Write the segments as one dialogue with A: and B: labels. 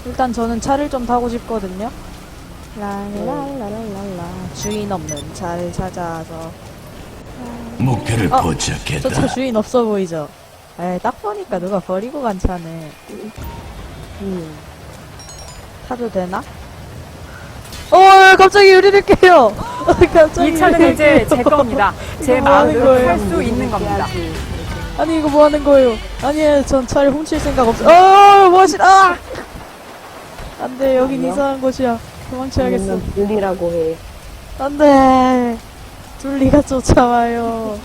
A: 일단 저는 차를 좀 타고 싶거든요. 랄랄랄랄라. 주인 없는 차를 찾아서.
B: 목표를
A: 저 차
B: 포착했다.
A: 주인 없어 보이죠? 에이, 딱 보니까 누가 버리고 간 차네. 타도 되나? 갑자기 유리를 깨요! 갑자기
C: 이 차는
A: 유리를
C: 이제
A: 깨요.
C: 제 겁니다. 제
A: 이거 뭐 하는
C: 마음으로
A: 거예요?
C: 탈 수 있는 겁니다.
A: 아니, 이거 뭐 하는 거예요? 아니, 전 차를 훔칠 생각 없어. 뭐하시나! 안 돼, 여긴
D: 아니요?
A: 이상한 곳이야. 도망쳐야겠어.
D: 분리라고 해.
A: 안 돼! 둘리가 쫓아와요.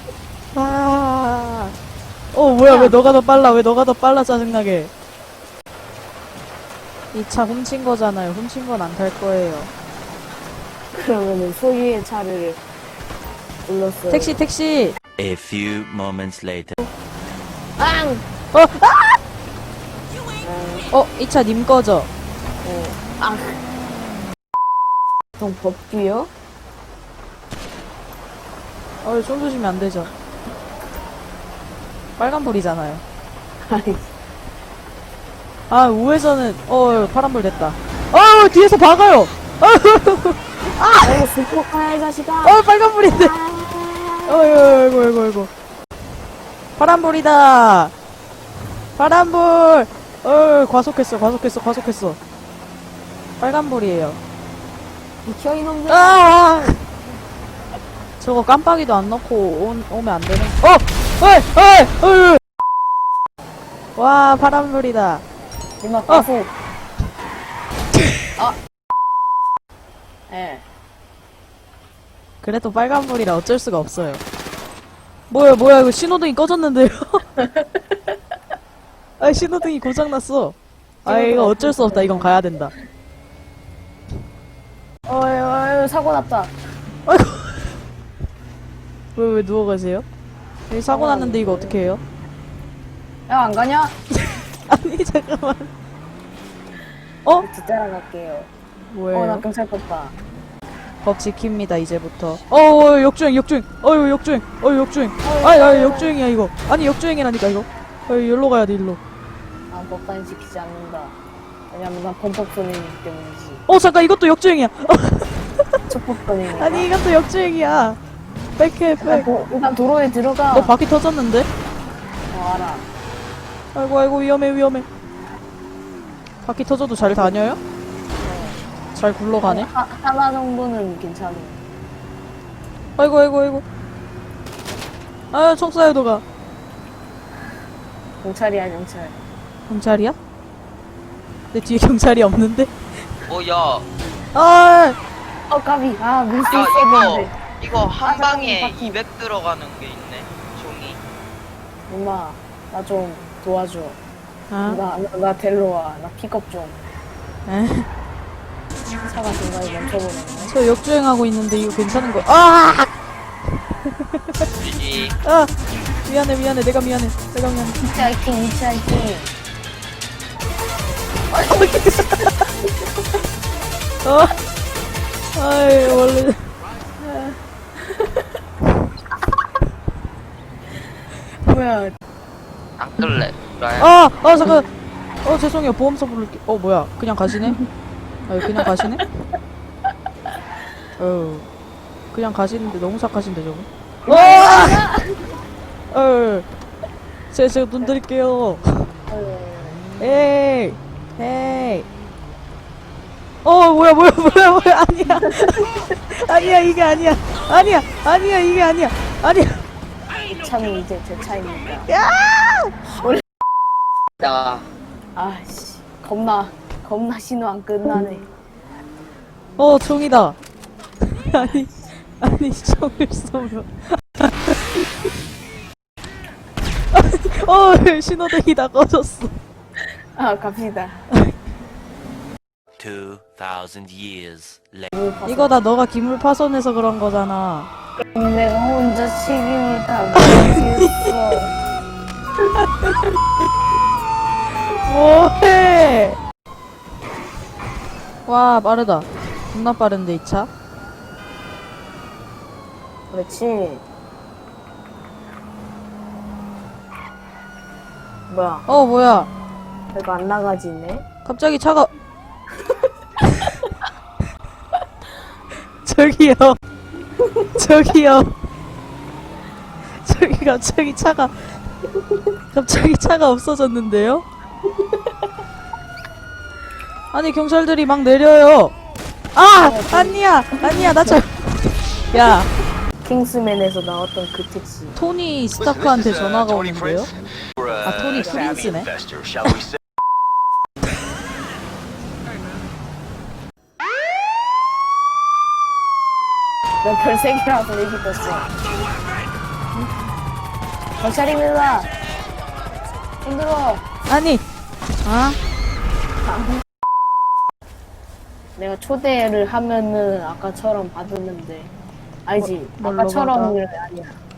A: 뭐야, 왜 너가 더 빨라? 왜 너가 더 빨라, 짜증나게. 이 차 훔친 거잖아요. 훔친 건 안 탈 거예요.
D: 그러면은 소유의 차를 불렀어요.
A: 택시!
B: A few moments later.
D: 빵!
A: 이 차 님 거죠?
D: 아. 동 법규요?
A: 총 쏘시면 안 되죠. 빨간불이잖아요.
D: 아니,
A: 우회전은, 파란불 됐다. 뒤에서 박아요!
D: 스포카야, 이 자식아!
A: 빨간불인데! 어이구. 파란불이다! 파란불! 과속했어. 빨간불이에요.
D: 비켜, 이놈들!
A: 저거 깜빡이도 안 넣고 오면 안 되는. 와, 파란불이다.
D: 이마 가속! 예.
A: 그래도 빨간불이라 어쩔 수가 없어요. 뭐야, 이거 신호등이 꺼졌는데요? 신호등이 고장났어. 이거 어쩔 수 없다. 이건 가야 된다.
D: 사고 났다.
A: 왜 누워가세요? 여기 사고 났는데 이거 어떻게 해요?
D: 야, 안 가냐?
A: 아니, 잠깐만.
D: 뒤따라갈게요.
A: 뭐예요?
D: 나 경찰 떴다.
A: 법 지킵니다, 이제부터. 역주행. 역주행. 역주행이야, 이거. 아니, 역주행이라니까, 이거. 여기로 가야 돼, 일로.
D: 난 법단이 지키지 않는다. 왜냐면 난 범법선이기 때문이지.
A: 잠깐, 이것도 역주행이야.
D: 촉법선이니까.
A: 아니, 이것도 역주행이야. 백해, 백.
D: 일단 도로에 들어가.
A: 너 바퀴 터졌는데?
D: 알아.
A: 아이고, 위험해. 바퀴 터져도 잘 다녀요? 잘 굴러가네?
D: 하나 정도는 괜찮아.
A: 아이고. 총 쏴요, 너가.
D: 경찰이야, 경찰.
A: 경찰이야? 내 뒤에 경찰이 없는데?
E: 야,
D: 까비. 밀 수
E: 야,
D: 있었는데.
E: 이거 한
D: 잠깐만,
E: 방에
D: 바퀴.
E: 200 들어가는 게 있네, 종이.
D: 엄마, 나 좀 도와줘.
A: 아,
D: 나 데려와. 나 픽업 좀.
A: 에?
D: 차가 중간에 멈춰버렸네.
A: 저 역주행하고 있는데 이거 괜찮은 거?
E: GG.
A: 미안해. 내가 미안해.
D: 히치하이킹.
A: 원래.
D: 뭐야.
E: 안 끌래. 라야.
A: 잠깐. 죄송해요. 보험서 부를게. 뭐야. 그냥 가시네? 그냥 가시네? 그냥 가시는데 너무 착하신데, 저거. 제가 돈 드릴게요. 에이. 뭐야. 아니야, 이게 아니야. 이게 아니야.
D: 이 차는 이제 제 차입니다.
E: 야,
D: 아씨. 겁나 신호 안 끝나네.
A: 총이다. 아니, 총을 쏘면. 신호등이 다 꺼졌어.
D: 갑시다.
B: 2000 years later.
A: 이거 다 너가 기물 파손해서 그런 거잖아.
D: 내가 혼자 책임을 다 못했어.
A: 뭐해? 와, 빠르다. 겁나 빠른데, 이 차?
D: 그렇지. 뭐야?
A: 뭐야.
D: 내가 안 나가지네.
A: 갑자기 차가 저기요. 저기요. 저기 갑자기 차가 없어졌는데요? 아니 경찰들이 막 내려요. 아! 아니야! 나 야,
D: 킹스맨에서 나왔던 그 택시.
A: 토니 스타크한테 전화가 오는데요? 아, 토니 프린스네?
D: 난 별 3개라서 얘기 떴어. 경찰입니다. 힘들어.
A: 아니! 아?
D: 내가 초대를 하면은 아까처럼 받았는데. 알지?
A: 뭘로
D: 아까처럼은 아니야.